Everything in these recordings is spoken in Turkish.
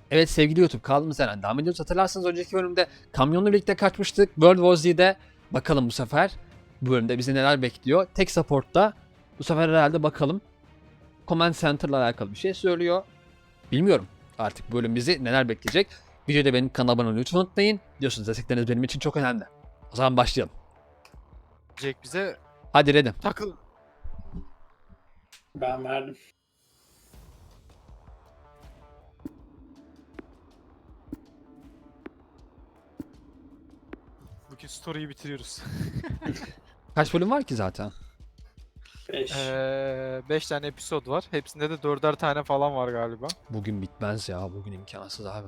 Evet sevgili YouTube, kaldığımız yerden devam ediyoruz. Hatırlarsanız önceki bölümde kamyonla birlikte kaçmıştık. World War Z'de bakalım bu sefer bu bölümde bizi neler bekliyor. Tek support'ta bu sefer herhalde bakalım Command Center'la alakalı bir şey söylüyor. Bilmiyorum artık bu bölüm bizi neler bekleyecek. Videoda benim kanalıma abone olmayı lütfen unutmayın. Biliyorsunuz destekleriniz benim için çok önemli. O zaman başlayalım. Jack bize Hadi Red'im. takıl. Ben verdim. Bugün story'yi bitiriyoruz. Kaç bölüm var ki zaten? 5. 5 tane episod var. Hepsinde de 4'er tane falan var galiba. Bugün bitmez ya. Bugün imkansız abi.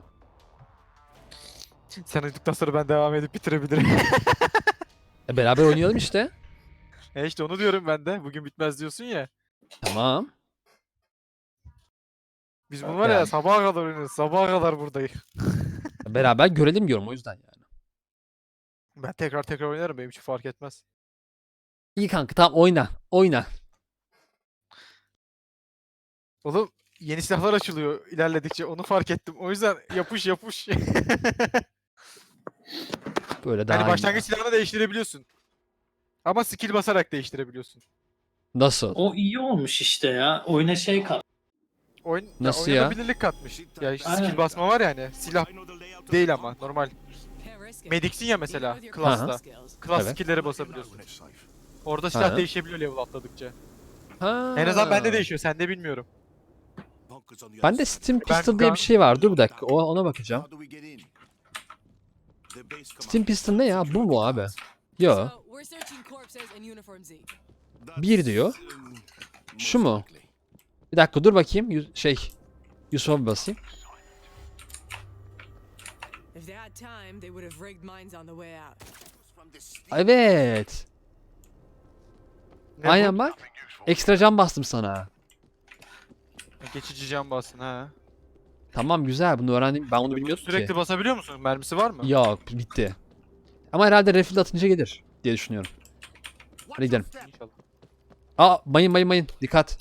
Sen uyuduktan sonra ben devam edip bitirebilirim. Beraber oynayalım işte. İşte onu diyorum ben de. Bugün bitmez diyorsun ya. Tamam. Biz bunu var ya Yani. sabaha kadar oynarız. Sabaha kadar buradayız. Beraber görelim diyorum o yüzden yani. Ben tekrar oynarım. Benim için fark etmez. İyi kanka, tamam, oyna. Oyna. Oğlum yeni silahlar açılıyor ilerledikçe. Onu fark ettim. O yüzden yapış. Böyle daha Yani iyi başlangıç ya. silahını değiştirebiliyorsun. Ama skill basarak değiştirebiliyorsun. Nasıl? O iyi olmuş işte ya. Oyuna şey kat. Nasıl oyuna ya? bilinirlik katmış. Ya işte Aynen. skill basma var yani. Silah değil ama normal. Medic'sin ya mesela class'ta. Class Evet. skill'lere basabiliyorsun. Orada silah Ha. değişebiliyor level atladıkça. Ha. En azından bende değişiyor, sende bilmiyorum. Bende Steam Ben Pistol diye bir şey var. Dur bir dakika. Ona bakacağım. Steam Pistol ne ya? Bu mu abi? Yo. Bir diyor. Şu mu? Bir dakika dur bakayım. Yusuf'a bir basayım. Evet. Ne Aynen bu? bak. Ekstra can bastım sana. Geçici can bassın ha. Tamam, güzel, bunu öğrendim. Ben bunu bilmiyordum Sürekli ki. basabiliyor musun? Mermisi var mı? Yok, bitti. Ama herhalde refill atınca gelir diye düşünüyorum. Hadi gidelim. İnşallah. Aa, mayın. Dikkat.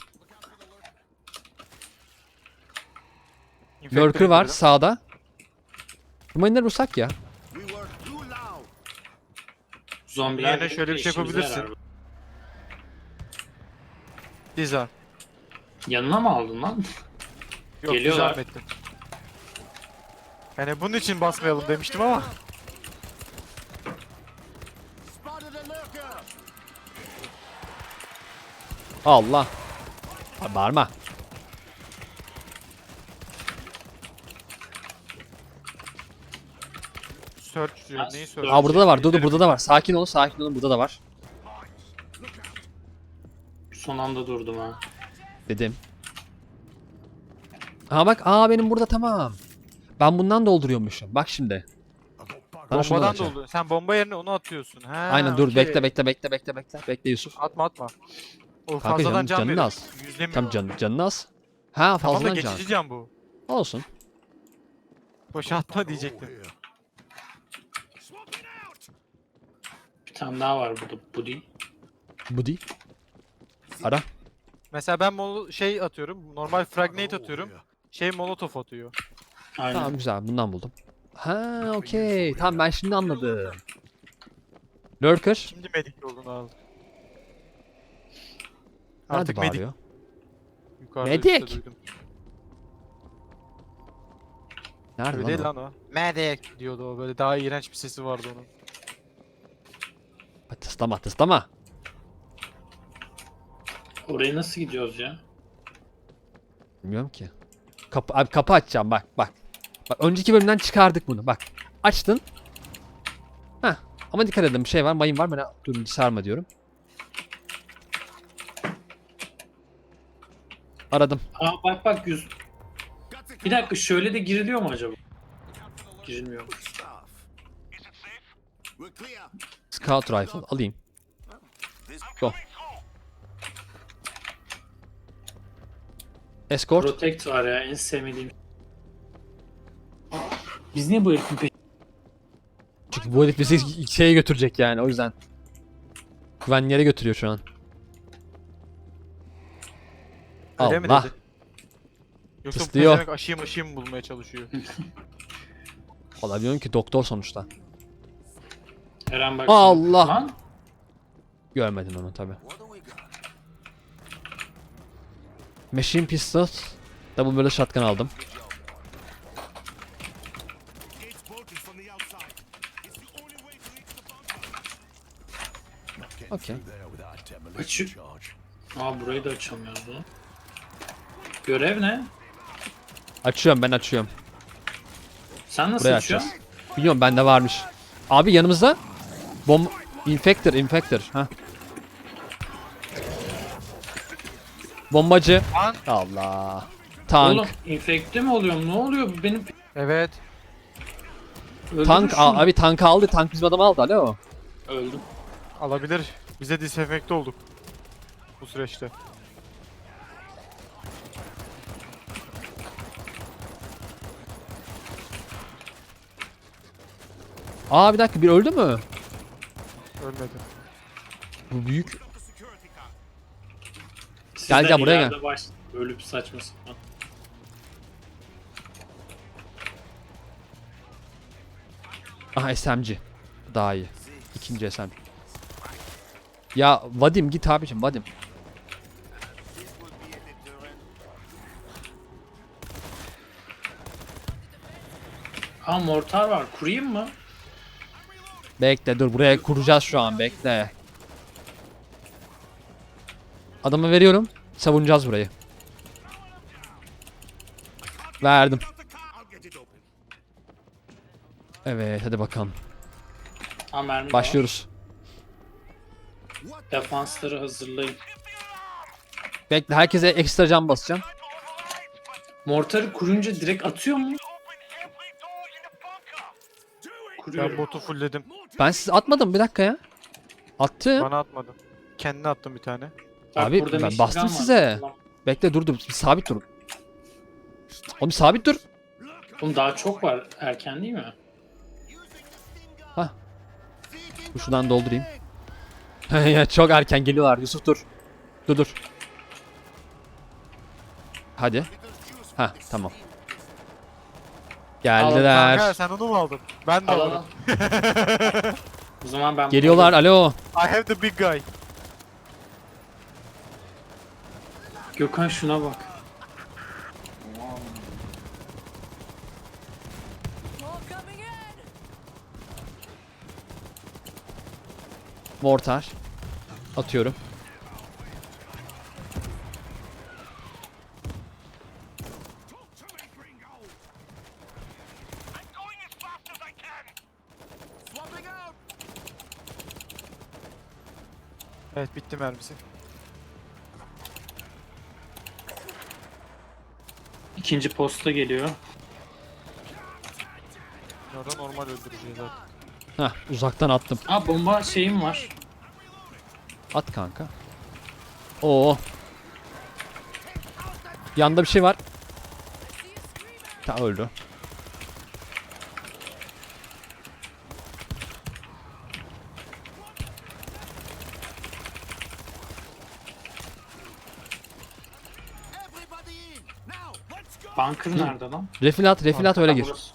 Infector Lurker var indirdim. sağda. Bu mayınları vursak ya. Zombiler Yerine şöyle bir şey işimize yapabilirsin. yarar. Diza. Yanına mı aldın lan? Yok Geliyorlar. güzel ettim. Yani bunun için basmayalım demiştim ama. Allah. Ha, bağırma. Search diyor. Neyi search? Aa, burada da var. Dur, burada da var. Sakin olun. Burada da var. Son anda durdum ha. Dedim. Ha bak. Aa, benim burada, tamam. Ben bundan dolduruyormuşum. Bak şimdi. Sana şundan Bombadan atacağım. doldu. Sen bomba yerine onu atıyorsun. Ha, Aynen, dur, okey. bekle. Bekle Yusuf. Atma. O Kanka, fazladan can canını verir. az. Yüzlemiyor. Tam canını az. Ha, Tamam da fazladan can. geçici can bu. Olsun. Boşa atma diyecektim. Bir tane daha var burada. Bu değil. Bu değil. Ara. Mesela ben şey atıyorum. Normal fragnate atıyorum. Şey molotof atıyor. Aynen. Tamam, güzel, bundan buldum. Ha, okey. Tamam, ben şimdi anladım. Lurker. Şimdi medik olduğunu aldım. Nerede Artık medik. bağırıyor? Yukarıda Medik! üstte duydum. Nerede Öyle değil lan o? lan o. Medik diyordu o, böyle daha iğrenç bir sesi vardı onun. Tıslama. Oraya nasıl gidiyoruz ya? Bilmiyorum ki. Abi, kapı açacağım, bak. Bak, önceki bölümden çıkardık bunu, bak. Açtın. Heh. Ama dikkat edin, bir şey var, mayın var. Dur, sarma diyorum. Aradım. Aa bak yüz. Bir dakika, şöyle de giriliyor mu acaba? Girilmiyor. Scout rifle alayım. Go. Escort. Protect var ya, en sevmediğim. Biz niye bu herifin Çünkü bu herif bizi şeye götürecek yani, o yüzden. Güvenli yere götürüyor şu an. Öyle mi Allah. dedi? Yoksa bu Tıslıyor. pezevenk aşıyım bulmaya çalışıyor. Olabiliyorum ki doktor sonuçta. Eren bak. Allah! Lan. Görmedin onu tabi. Machine Pistol. Double barrel shotgun aldım. Okey. Açık. Aa burayı da açamıyordu. Görev ne? Açıyorum, ben açıyorum. Sen nasıl Burayı açıyorsun? açacağız. Biliyorum, bende varmış. Abi yanımızda Infector. Ha. Bombacı. Tank. Allah. Tank. Oğlum infekte mi oluyorum? Ne oluyor? Bu benim Evet. Tank Öldürmüşsün. abi, tankı aldı. Tank bizim adamı aldı. Alo. Öldüm. Alabilir. Bize disenfekte olduk. Bu süreçte. Aa, bir dakika, bir öldü mü? Ölmedi. Bu büyük. Siz Gel, de gel, buraya ileride ölüp saçma sapan. Aha, SMG. Daha iyi. İkinci SMG. Ya Vadim, git abicim, Vadim. Aa mortar var. Kurayım mı? Bekle, dur, buraya kuracağız şu an, bekle. Adamı veriyorum. Savunacağız burayı. Verdim. Evet, hadi bakalım. Aa mermi de var. Başlıyoruz. Defansları hazırlayın. Bekle, herkese ekstra can basacağım. Mortarı kurunca direkt atıyor mu? Ben Kuruyorum. botu fullledim. Ben siz atmadım, bir dakika ya. Attım. Bana atmadın. Kendine attım bir tane. Bak, Abi, burada ben Michigan bastım var. size. Tamam. Bekle, dur, bir sabit durun. Oğlum sabit dur. Oğlum daha çok var. Erken değil mi? Hah. Dur, şuradan doldurayım. Ya çok erken geliyorlar, Yusuf dur. Dur. Hadi. Ha, tamam. Kanka Geldiler. sen onu mu aldın? Ben de Al al. alırım. O zaman ben Geliyorlar, alo. I have the big guy. Gökhan şuna bak. Mortar. Atıyorum. Evet bitti mermisi. İkinci posta geliyor. Ya da normal öldüreceğiz zaten. Hah, uzaktan attım. Aa bomba şeyim var. At kanka. Oo. Yanda bir şey var. Ta öldü. Bunker nerede lan? Refil at, öyle gir. Burası.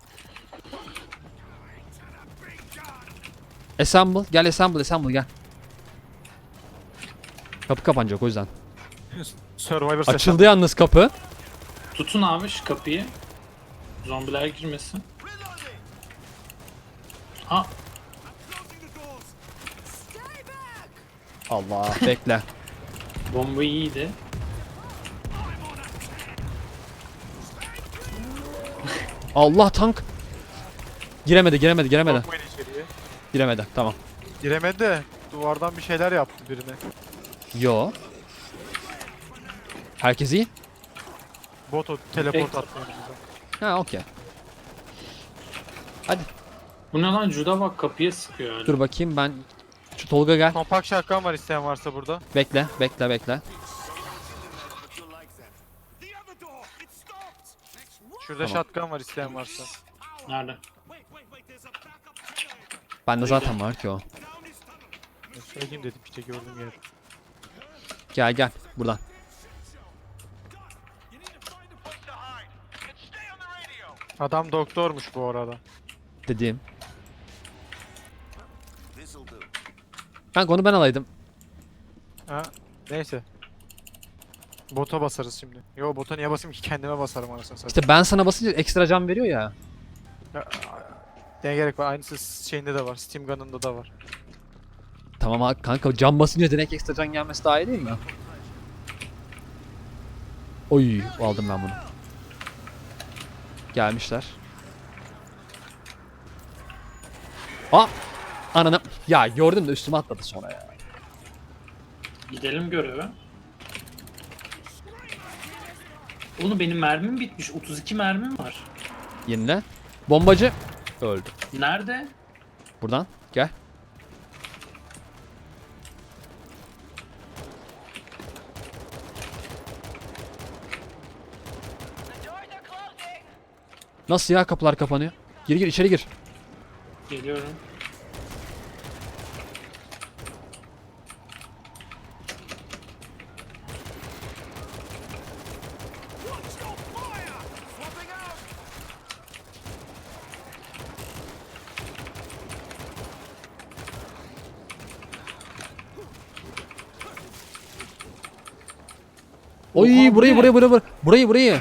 Assemble, gel assemble gel. Kapı kapanacak o yüzden. Survivor seslen. Açıldı yalnız kapı. Tutun abi şu kapıyı. Zombiler girmesin. Ha Allah, bekle. bomba iyiydi. Allah, tank. Giremedi. Sokmayın içeriye. Giremedi, tamam. Giremedi de duvardan bir şeyler yaptı birine. Yo. Herkes iyi. Bot o teleport Peki. attı önümüze. Ha, okey. Hadi Bu ne lan? Juda bak kapıya sıkıyor hala. dur bakayım ben. Şu Tolga gel. Kompakt şarkı var isteyen varsa burada. Bekle. Şurada Tamam. shotgun var isteyen varsa. Nerede? Bende zaten var ki o. Söyleyeyim dedim işte gördüğüm yerde. Gel buradan. Adam doktormuş bu arada. Dediğim. Kanka onu ben alaydım. Ha, neyse. Bota basarız şimdi. Yo bota niye basayım ki, kendime basarım anasını satayım. İşte ben sana basınca ekstra can veriyor ya. Ne gerek var, aynısı şeyinde de var, Steam Gun'ında da var. Tamam abi kanka, can basınca direkt ekstra can gelmesi daha iyi değil mi? Oy, aldım ben bunu. Gelmişler. Ananı. Ya gördüm de üstüme atladı sonra ya. Gidelim göreve. Oğlum benim mermim bitmiş. 32 mermim var. Yenile. Bombacı. Öldü. Nerede? Buradan gel. Nasıl ya, kapılar kapanıyor? Gir gir, içeri gir. Geliyorum. Oy, Oha, bu burayı ne? burayı.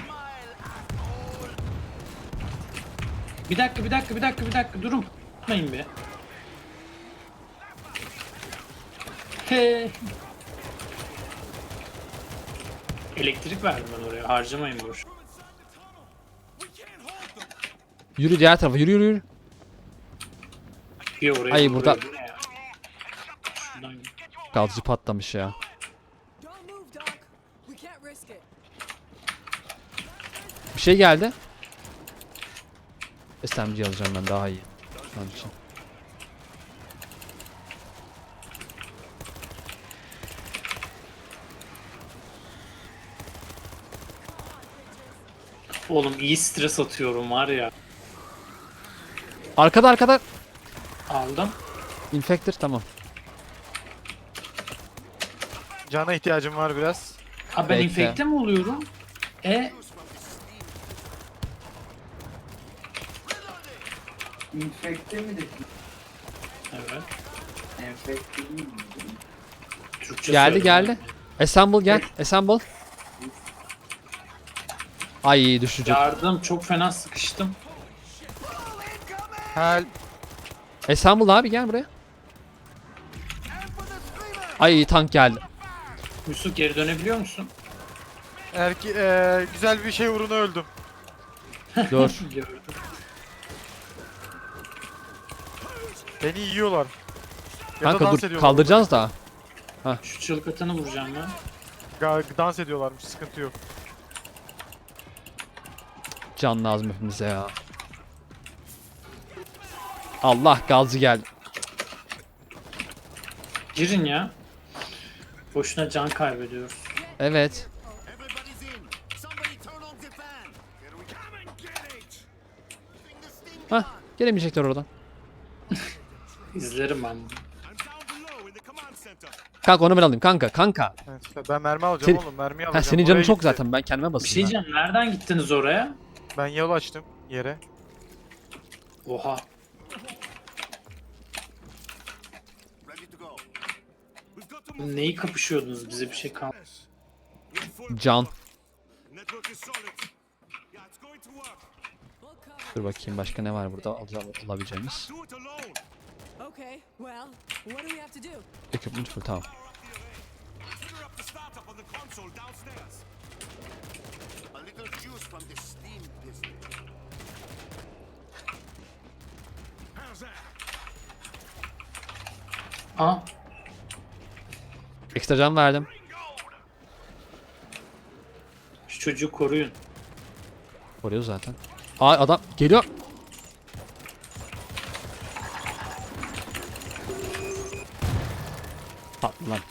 Bir dakika durun. Tutmayın be. He. Elektrik verdim ben oraya. Harcamayın boş. Yürü diğer tarafa, yürü. Bir oraya. Ay, bir burada- buraya. Bu ne ya? Şuradan git. Gazcı patlamış ya. Don't move, Doc. We can't risk it. Bir şey geldi. SMG alacağım ben, daha iyi. Şu an için. Oğlum iyi stres atıyorum var ya. Arkada. Aldım. Infector, tamam. Cana ihtiyacım var biraz. Abi ben Bekle. infekte mi oluyorum? Infekte mi dedin? Evet. Enfekte değil mi? Türkçe Geldi söyledim. Assemble gel. Assemble. Ay, düşecek. Yardım, çok fena sıkıştım. Help. Assemble abi, gel buraya. Ay, tank geldi. Yusuf geri dönebiliyor musun? Güzel bir şey uğruna öldüm. Dur. Gördüm. Beni yiyorlar. Ya da Kanka dans dur, ediyorlar. kaldıracağız da. Şu çığlık atanı vuracağım ben. Dans ediyorlarmış, sıkıntı yok. Can lazım hepimize ya. Allah, gazcı geldi. Girin ya. Boşuna can kaybediyoruz. Evet. Hah, gelemeyecekler oradan. İzlerim ben bunu. Kanka onu ben alayım, kanka. Evet, ben mermi alacağım Sen- oğlum, mermi Ha, alacağım. senin canın Oraya çok gitti. zaten, ben kendime Bir şey basayım. diyeceğim. Nereden gittiniz oraya? Ben yol açtım yere. Oha. Neyi kapışıyordunuz? Bize bir şey kalmadı. Can. We'll cover. Dur bakayım, başka ne var burada alabileceğimiz. Okay, well, what do we have to do? Equipment full, tamam. Ha? Ekstra can verdim. Şu çocuğu koruyun. Koruyor zaten. Aa, adam geliyor. Patlı lan.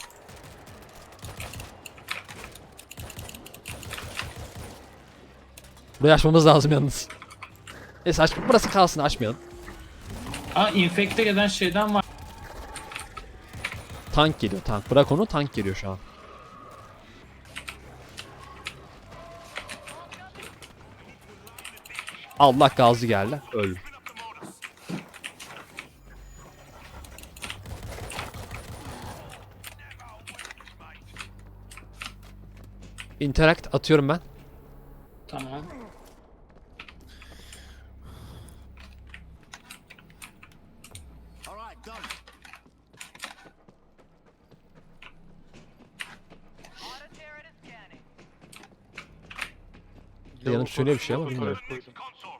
Burayı açmamız lazım yalnız. Neyse, burası kalsın, açmayalım. Aa, infekte eden şeyden var. Tank geliyor, tank. Bırak onu, tank geliyor şu an. Allah gazlı geldi. Öldüm. Interact atıyorum ben. Tamam. Yanıp söylüyor bir şey ama Fotoğraf bilmiyorum. koydum.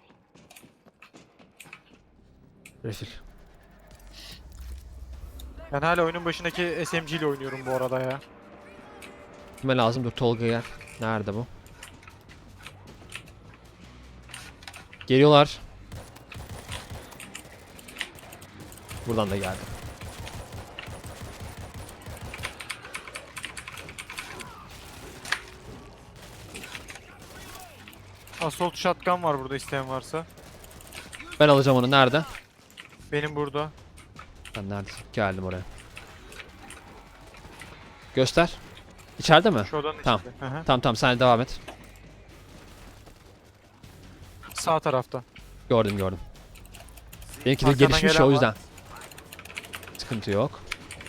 Refil. Ben hala oyunun başındaki SMG ile oynuyorum bu arada ya. Kime lazım? Dur Tolga gel. Nerede bu? Geliyorlar. Buradan da geldi. Assault shotgun var burada isteyen varsa. Ben alacağım onu. Nerede? Benim burada. Ben neredesin? Geldim oraya. Göster. İçeride mi? Şu odanın Tamam. içinde. Hı hı. Tamam sen devam et. Sağ tarafta. Gördüm. Benimki de Arkadan gelişmiş gelen o var. yüzden. Sıkıntı yok.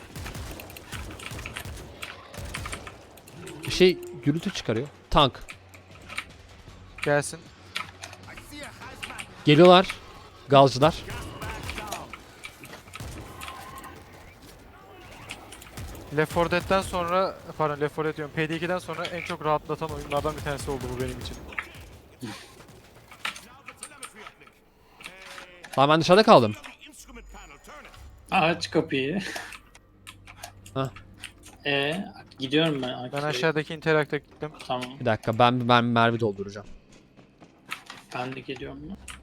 Bir şey gürültü çıkarıyor. Tank. Gelsin. Geliyorlar. Gazcılar. Left 4 Dead'den sonra, pardon Left 4 Dead diyorum, PD2'den sonra en çok rahatlatan oyunlardan bir tanesi oldu bu benim için. Lan ben dışarıda kaldım. Aç kapıyı. Hah. Gidiyorum ben. Ben Akif'e. aşağıdaki Interact'a gittim. Tamam. Bir dakika ben mermi dolduracağım. Ben de geliyorum.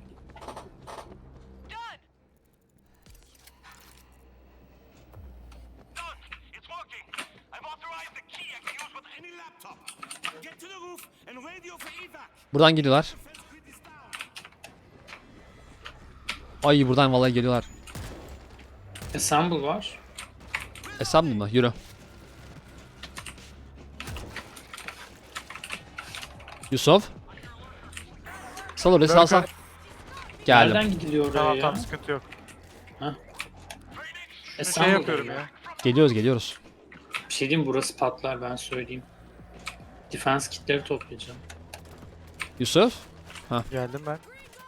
It's working. I've authorized the key I can use with any laptop. Get to the roof and radio for evac. Buradan geliyorlar. Ay buradan vallahi geliyorlar. Assemble var. Esam mı? Yürü. Yusuf. Sal orayı sal sal. Geldim. Nereden gidiliyor oraya Tamam ya? tamam, sıkıntı yok. Şey Assemble yapıyorum var ya. Geliyoruz. Bir şey diyeyim, burası patlar, ben söyleyeyim. Defense kitleri toplayacağım. Yusuf. Geldim ben.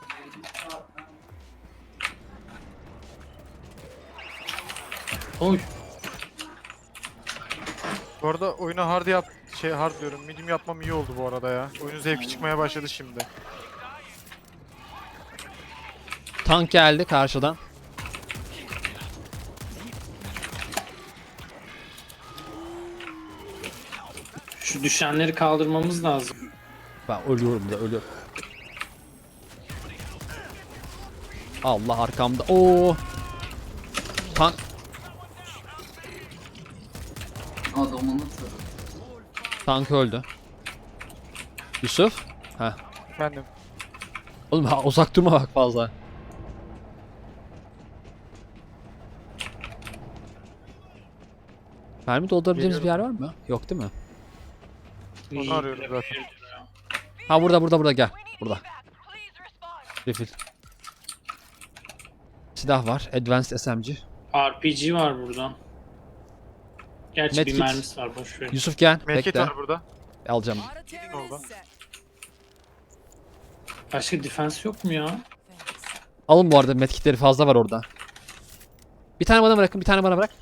Oy. Bu arada oyuna hard diyorum. Medium yapmam iyi oldu bu arada ya. Oyunun zevki çıkmaya başladı şimdi. Tank geldi karşıdan. Şu düşenleri kaldırmamız lazım. Ben ölüyorum da ölüyorum. Allah arkamda. Oo. Tank. Adamını sarı. Tank öldü. Yusuf. Heh. Efendim. Oğlum ha, uzak durma bak fazla. Mermi doldurabileceğimiz bir yer var mı? Yok değil mi? Onu arıyorum zaten. Ha burada gel. Burada. Refill. Silah var. Advanced SMG. RPG var burada. Gerçi Medkit. bir mermisi var, boş ver. Yusuf gel. Medkit Bekle. var burada. Alacağım. Auto terror Oldu. is set. Başka defense yok mu ya? Alın bu arada medkitleri fazla var orada. Bir tane bana bırakın, bir tane bana bırak.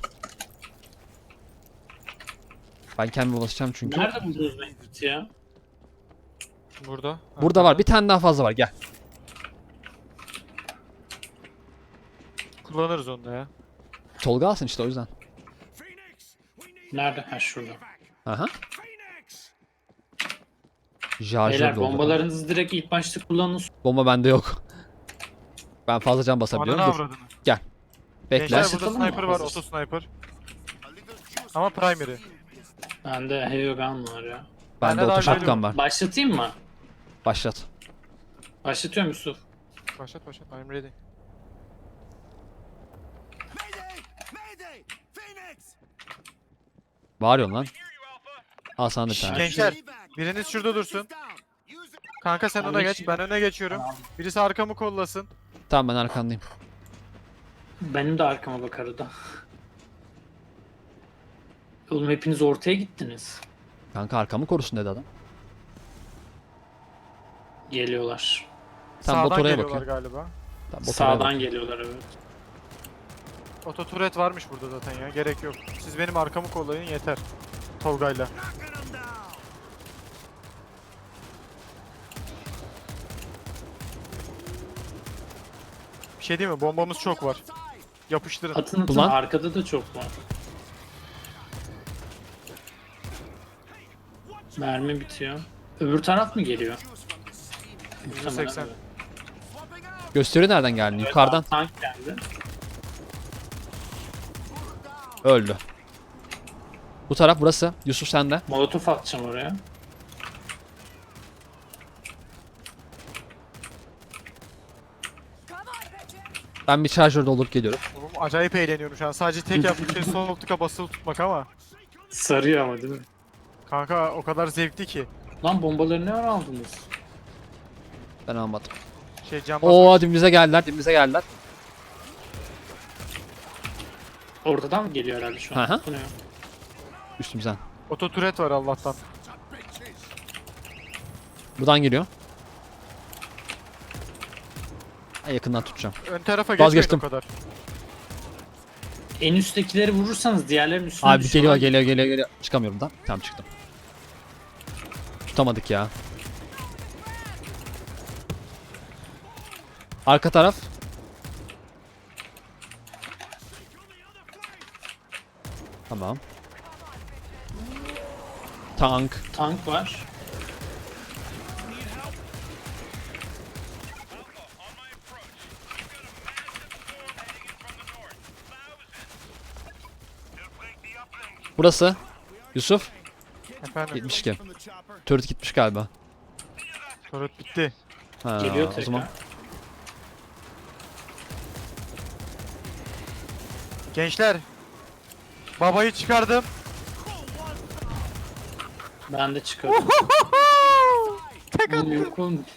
Ben kendime ulaşacağım çünkü. Nerede buldunuz medkit ya? Burada. Burada var. Bir tane daha fazla var. Gel. Kullanırız onu da ya. Tolga alsın işte o yüzden. Nerede? Ha, şurada. Aha. Phoenix! Şarjör Beyler, doldu. bombalarınızı direkt ilk başta kullanın. Bomba bende yok. Ben fazla can basabiliyorum. Ananı Dur. avradını. Bekle. Gençler burada Başlatalım mı? sniper var, auto sniper. Ama primary. Bende heavy gun var ya. Bende Bende daha auto shotgun geliyor. var. Başlatayım mı? Başlat. Başlatıyorum Yusuf. Başlat, I'm ready. Mayday! Mayday! Phoenix! Bağırıyorsun lan. Al sana da bir tane. Gençler, biriniz şurada dursun. Down. Use it. Kanka sen Ben ona geç, geçeyim. ben öne geçiyorum. Birisi arkamı kollasın. Tamam ben arkandayım. Benim de arkama bak arada. Oğlum hepiniz ortaya gittiniz. Kanka arkamı korusun dedi adam. Geliyorlar. Tamam, bot Sağdan oraya geliyorlar bakıyor. galiba. Tamam, bot oraya Sağdan bakıyor. geliyorlar evet. Ototuret varmış burada zaten ya. Gerek yok. Siz benim arkamı kollayın yeter. Tolga'yla. Bir şey değil mi? Bombamız çok var. Yapıştırın. Atın atın Ulan. arkada da çok var. Mermi bitiyor. Öbür taraf mı geliyor? Muhtemelen %80. evet. Gösteriyor nereden geldi? Yukarıdan. Tank geldi. Öldü. Bu taraf burası. Yusuf sende. Molotof atacağım oraya. Ben bir şarjör doldurup geliyorum. Oğlum acayip eğleniyorum şu an. Sadece tek yaptığım şey sol tıka basılı tutmak ama. Sarıyor ama değil mi? Kanka o kadar zevkli ki. Lan bombaları ne ara aldınız? Ben almadım. Şey cam Oo dibimize geldiler. Dibimize geldiler. Ortadan mı geliyor herhalde şu Hı an? hı. Bu ne? Üstümüzden. Ototuret var Allah'tan. Buradan geliyor. En yakından tutacağım. Ön tarafa geçmeyin Vazgeçtim. o kadar. En üsttekileri vurursanız diğerlerinin üstüne Abi düşüyorlar. geliyor. Çıkamıyorum da. Tamam çıktım. Tutamadık ya. Arka taraf. Tamam. Tank. Tank var. Burası. Yusuf. Efendim. 72. Turret gitmiş galiba. Turret bitti. Ha, Geliyor o tekrar. zaman. Gençler. Babayı çıkardım. Ben de çıkarım. Oğlum yok oğlum.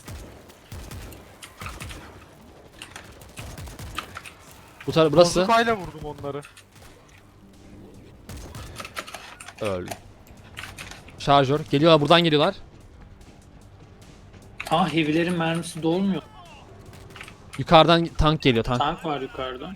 Bu taraf burası. Bozukayla vurdum onları. Öl. Şarjör. Geliyorlar buradan geliyorlar. Ah heavy'lerin mermisi dolmuyor. Yukarıdan tank geliyor tank. Tank var yukarıda.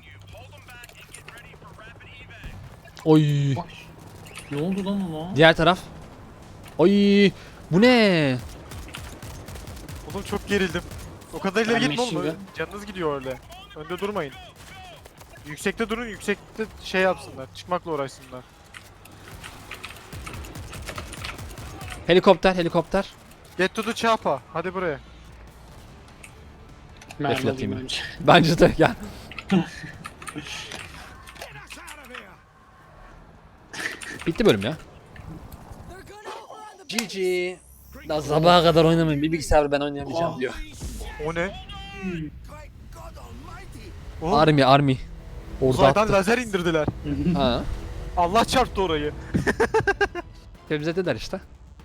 Oy. Bak. Ne oldu lan ona? Diğer taraf. Oy. Bu ne? Oğlum çok gerildim. O kadar ileri Ben gitme oğlum. machine Canınız gidiyor öyle. Önde durmayın. Yüksekte durun, yüksekte şey yapsınlar. Çıkmakla uğraşsınlar. Helikopter. Get to the chopper. Hadi buraya. Mermi Defile alayım atayım. önce. Bence de gel. Bitti bölüm ya. GG. Daha sabaha kadar oynamayın. Bir bilgisayar ben oynayamayacağım diyor. O ne? Oğlum, Army. Orada uzaydan attı. lazer indirdiler. Ha. Allah çarptı orayı. Bize dediler işte.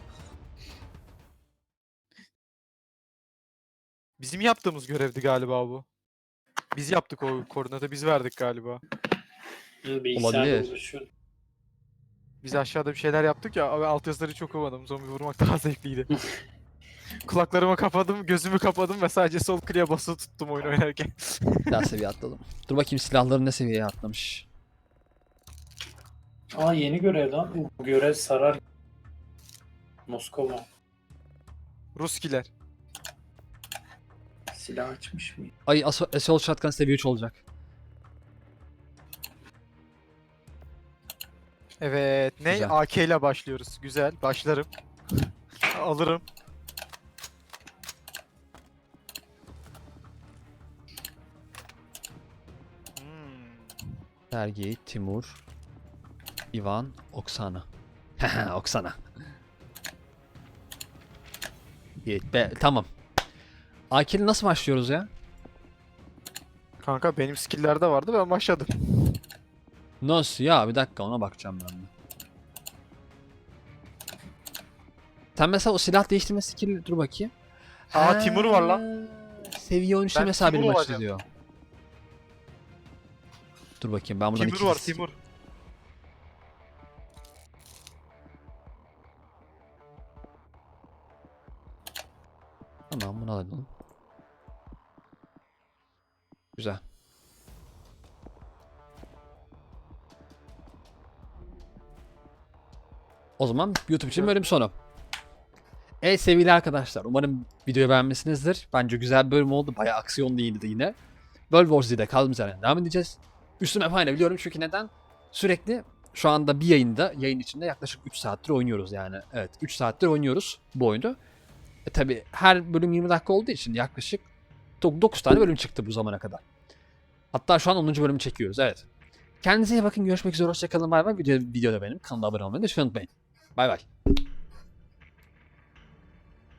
Bizim yaptığımız görevdi galiba bu. Biz yaptık o koordinatı, biz verdik galiba. Bilgisayarda Olabilir. uğraşıyorum. Biz aşağıda bir şeyler yaptık ya, abi altyazıları çok okumadım. Zombi vurmak daha zevkliydi. Kulaklarımı kapadım, gözümü kapadım ve sadece sol kliğe basılı tuttum oyun oynarken. Daha seviye atladım. Dur bakayım silahları ne seviyeye atlamış. Aa yeni görev lan. Bu görev sarar. Moskova. Ruskiler. Silah açmış mı? Ay Assault Shotgun seviye 3 olacak. Evet, ne? Güzel. AK ile başlıyoruz. Güzel, başlarım. Alırım. Sergey, Timur, Ivan, Oksana. Oksana. Tamam. AK'li nasıl başlıyoruz ya? Kanka benim skill'lerde vardı, ben başladım. Nasıl ya? Bir dakika ona bakacağım ben de. Sen mesela o silah değiştirme skill dur bakayım. Aa, Timur var lan. Seviye 13'te Ben mesela benim Timur maçta olacağım. diyor. Dur bakayım ben buradan Timur var, Timur. Tamam bunu alalım. Güzel. O zaman YouTube için bölüm sonu. Evet sevgili arkadaşlar, umarım videoyu beğenmişsinizdir. Bence güzel bir bölüm oldu. Bayağı aksiyon değildi yine. World War Z'de kaldığımız yerden devam edeceğiz. Üstüme fayda biliyorum çünkü neden? Sürekli şu anda bir yayın içinde yaklaşık 3 saattir oynuyoruz yani. Evet 3 saattir oynuyoruz bu oyunu. Tabi her bölüm 20 dakika olduğu için yaklaşık 9 tane bölüm çıktı bu zamana kadar. Hatta şu an 10. bölümü çekiyoruz evet. Kendinize iyi bakın, görüşmek üzere, hoşçakalın, bay bay. Videoda benim kanala abone olmayı lütfen unutmayın. Bay bay.